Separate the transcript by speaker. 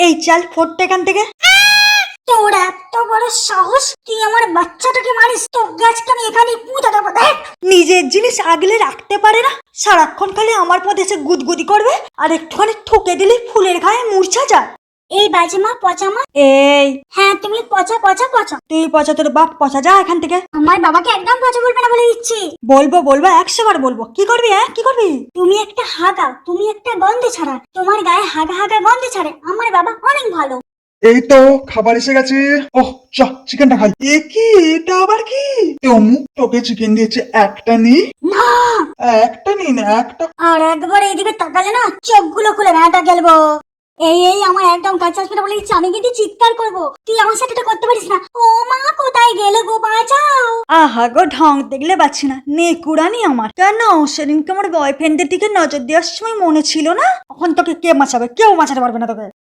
Speaker 1: এই চাল ফোরটা এখান থেকে।
Speaker 2: তোর এত বড় সাহস, তুই আমার বাচ্চাটাকে মারিস? তো গাছকে আমি এখানে পুঁতে দেবো, দেখ।
Speaker 1: নিজের জিনিস আগলে রাখতে পারে না, সারাক্ষণ খালি আমার পথে এসে গুদগুদি করবে, আর একটুখানি ঠুকে দিলে ফুলের গায়ে মূর্ছা যায়।
Speaker 2: এই বাজে পচা মা।
Speaker 1: এই
Speaker 2: হ্যাঁ, তুমি পচা পচা পচা।
Speaker 1: তুই পচা, তোর বাপ পচা, যা এখান থেকে।
Speaker 2: আমার বাবাকে একদম পচা বলবে না বলে দিচ্ছি।
Speaker 1: বলবো 100 বার বলবো। কি করবি? কি করবি?
Speaker 2: তুমি একটা হাগা, তুমি একটা গন্ধে ছাড়া, তোমার গায়ে হাগা হাগা গন্ধে ছাড়ে। আমার বাবা অনেক ভালো।
Speaker 3: এই তো খাবার এসে গেছে। ওহ চ চিকেনটা খাই। এ কি, এটা আবার কি? অমুক তোকে চিকেন দিয়েছে, একটা নি।
Speaker 2: না,
Speaker 3: একটা নিন, একটা।
Speaker 2: আর একবার এইদিকে তাকালে না চোখগুলো খুলে ভেঁটা গেলবো। এই আমার একদম কাছে আসবে না বলে দিচ্ছি, আমি কিন্তু চিৎকার করবো। তুই আমার সাথে এটা করতে পারিস না। ও মা, কোথায় গেলে গো, বাঁচাও।
Speaker 1: আহা গো, ঢং দেখলে পাচ্ছি না, নেকুড়ানি আমার। কেন সেদিনকে আমার বয়ফ্রেন্ডের দিকে নজর দেওয়ার সময় মনে ছিল না? এখন তোকে কে বাঁচাবে? কেউ বাঁচাতে পারবে না তোকে।